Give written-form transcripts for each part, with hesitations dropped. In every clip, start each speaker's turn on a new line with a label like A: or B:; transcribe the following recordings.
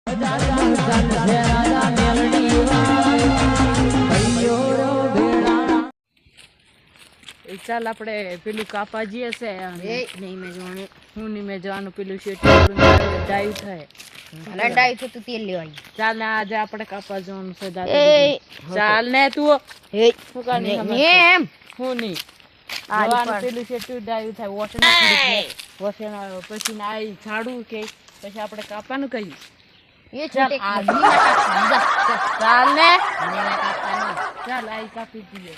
A: ચાલ આપણે પેલું કાપા જઈએ છે
B: નહીં મેં જોવાનું
A: હું નહીં મેં જવાનું પેલું શેઠ ડાયું થાય
B: લડાઈ તો તું તેલ લેવાય
A: ચાલ ને આજે આપણે કાપા જવાનું છે દાદા ચાલ ને તું શું કાની
B: એમ
A: હું નહીં જવાનું પેલું શેઠ ડાયું થાય વોશન પછી ના ઝાડું કે પછી આપણે કાપાનું કહ્યું
B: એ ચાલ
A: ચાલ ને ચાલ આઈ કાપી દઈએ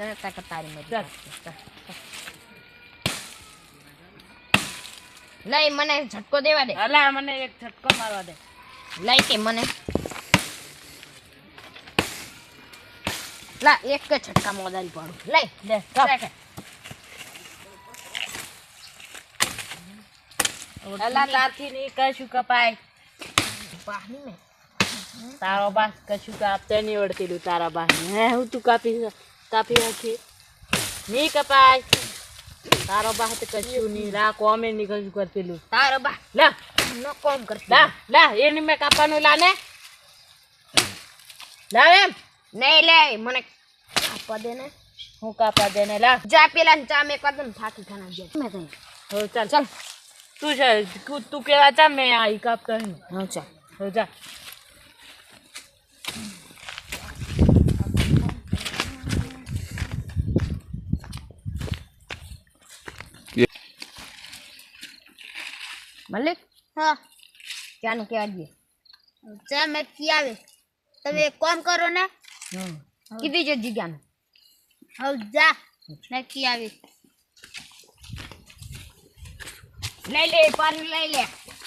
B: લઈ મને ઝટકો દેવા દે
A: અલા મને એક ઝટકો મારવા દે
B: લઈ કે મને લા એક જ ઝટકા મોદારી પાડું લઈ
A: દે કાપ અલા તારથી નહીં કશું કપાય
B: પાહની મે
A: તારો બાસ કશું કાપતે નહીં વળતીલું તારા બાસને હે હું તું કાપી નાખી નહીં કપાય તારો બાસ તો કશું નહીં રા કોમે નહીં કશું કરતીલું
B: તારો બા
A: લા
B: નો કોમ કરતી
A: લા એની મેં કાપવાનું લા ને લા એમ
B: નહીં લે મને કાપવા દે ને
A: હું કાપા દે ને લા
B: જા પેલા ને ચા મે કદમ થાકી ખાના જે મે તઈ
A: હો ચાલ ચાલ તું છે તું કેવા ચા મેં આ કાપતો હું
B: હા ચા
A: હો જા
B: મલિક હા ચા ને કેવા દે ચા મે કી આવે તમે એક કામ કરો ને કીધી જો જીગાને હવ જા ને કી આવે લઈ લે પાણી લઈ લે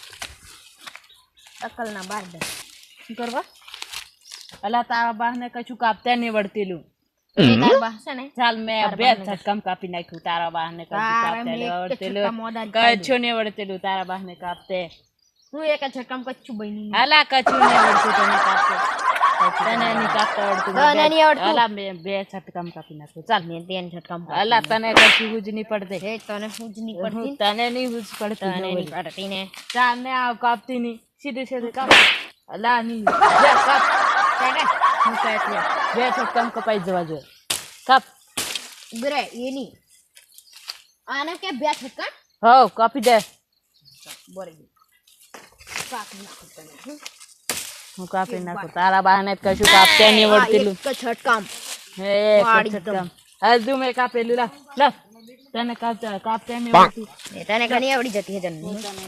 B: અકલ ના બાર દે
A: શું કરવા અલા તારા બાસને કશું કાપતે નહીં વળતીલું
B: તાર બા છે ને
A: ચાલ મેં બે ઝટકામ કાપી નાખ્યું તારા બાસને કશું કાપતે નહીં વળતેલું કશું નહીં વળતેલું તારા બાસને કાપતે
B: હું એક ઝટકામ કચ્છું બની
A: અલા કશું નહીં વળતું તને કાપતે તને નહીં કાપતા વળતું
B: તને નહીં આવડતું
A: અલા મેં બે ઝટકામ કાપી નાખ્યું ચાલ
B: મેં તેન ઝટકામ
A: અલા તને કશું હુજ નહીં પડતે
B: હે તને હુજ નહીં પડતી
A: તને નહીં હુજ પડતી
B: તને નહીં પડતી ને
A: ચાલ ને આવ કાપતી નહીં સીધે સીધે કાપ અલા નહીં બે કાપ હું કાપી બે ઝટકામ કપાઈ જવા જોઈએ કાપ
B: બરે એની આને કે બે ઝટકા
A: હો કાપી દે
B: બરાબર કાપી નાખું તને
A: હું કાપી નાખું તારા બહાને કશું કાપતે નહીં વળતીલું
B: એક ઝટકામ
A: હે ઝટકામ હજુ મેં કાપેલું લા તને કાપતે નહીં વળતું
B: તને ઘણી આવડી જતી છે તને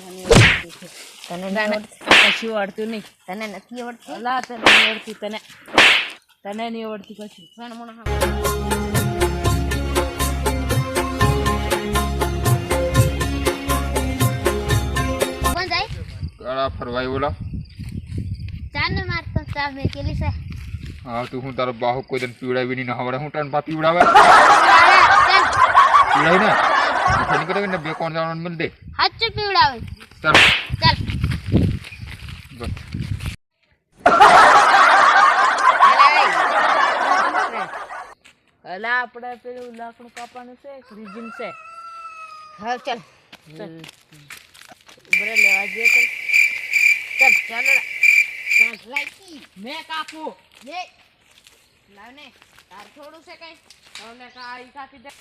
A: કશું આવડતું નહીં
B: તને નથી આવડતી
A: અલા તને નહીં આવડતું તને નહીં આવડતું કશું
B: કોણ જાય
C: ગાળા ફરવાય બોલા
B: ચાર ને મારતો ચાર મે કેલી છે
C: હા તું હું તારો બાહુ કોઈ દન પીવડાવી નહીં હવડે હું તને પા પીવડાવે પીવડાવી ને ઠની કરે ને બે કોણ જવાનું મિલ દે
B: હાથ પીવડાવે
C: ચાલ
B: ચાલ
C: બસ
A: અલા આપણે પેલું લાકડું કાપવાનું છે રીઝન છે
B: હા ચાલ
A: બરે લેવા જઈએ
B: ચાલ ચાલ લાઈકી
A: મેં કાપું
B: એ લાવ ને તાર થોડું છે કઈ
A: હવે કાઈ કાપી દે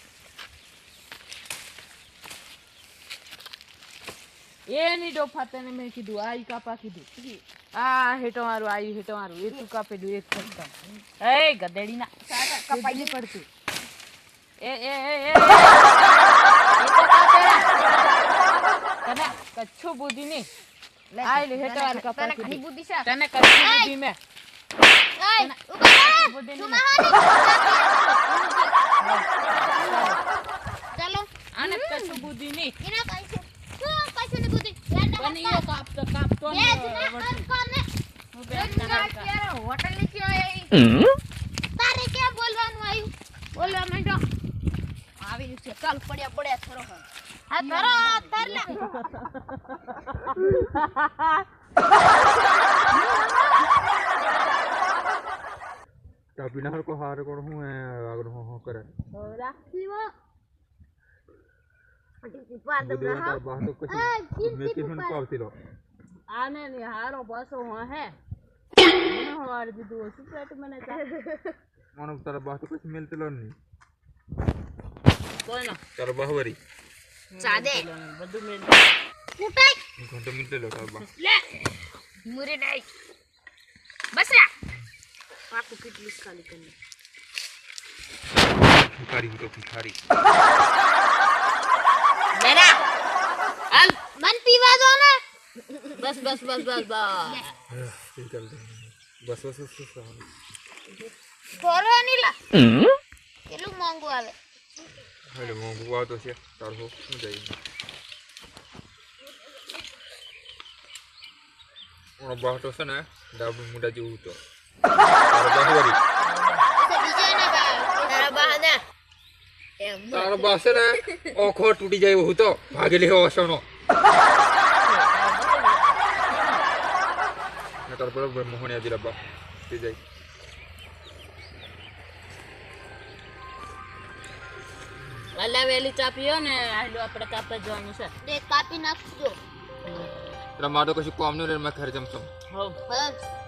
A: એની ડોફા તને મેં કીધું આ કાપા કીધું આ હેઠો મારું આ હેઠો મારું એ તું કાપેલું એક ઝટકામ એ ગધેડી ના કપાઈ નહીં પડતું એ તને કચ્છું બુદ્ધિ નહીં આ લે હેઠો મારું કપા
B: તને ઘણી બુદ્ધિ છે
A: તને કચ્છું બુદ્ધિ મેં
B: એય ઉભા
A: બુદ્ધિ
B: તું
A: નહીં
B: ચાલો
A: આને કચ્છું બુદ્ધિ નહીં
B: એના કઈ શું કશું ની બુદ્ધિ
A: પણ ઈયો કાપતો ને
B: કોને
A: હું બે ના
B: હોટલ ની ક્યાં તારે ક્યાં બોલવાનું આવ્યું બોલવા માંડો આવી છે ચાલ પડ્યા થરો હા થરો તરલા
C: કાપી નાખો હાર કોણ હું આગળ હું કરે
B: રાખી વો
C: બાહુ તો કશું મેં કીધું ને પાવતી લો
A: આને ની હારો પાછો હે હવાર દીધું શું પેટ મને
C: મને તારા બા તો કશું મેલતેલો નહીં
A: કોઈનો
C: તારા બા વરી
B: સાદે
A: બધું મેં
B: કુટાઈ
C: ઘંટો મેલતેલો તારા બા
B: લે મુરે ડાઈ બસરા
A: પાકું કેટલું ખાલી કરી
C: ભિખારી હું તો ભિખારી
A: મેરા હાલ
B: મન પીવા દો ને
A: બસ બસ બસ બસ બસ
C: બસ બસ બસ
B: થોરો ની લા કેટલું મોંઘું આવે
C: એટલે મોંઘું આવતો છે તારું શું જાય ઓનો બાટો છે ને ડાબુ મુંડા જેવું તો તારા બા વરી
B: તો બીજો ને તારા બહાને એમ
C: તારા બા છે ને ઓખો તૂટી જાય એવું તો ભાગી લેવો હશોનો તારા બરોબર મોહણિયા દિલા બા તે જાય
A: વાલા વેલી ચા પીઓ ને આટલું આપણે કાપવા જવાનું છે
B: તે કાપી નાખજો
C: તારા મારો કશું કામ નહીં રે મેં ઘરે જમશો
A: હો
B: બસ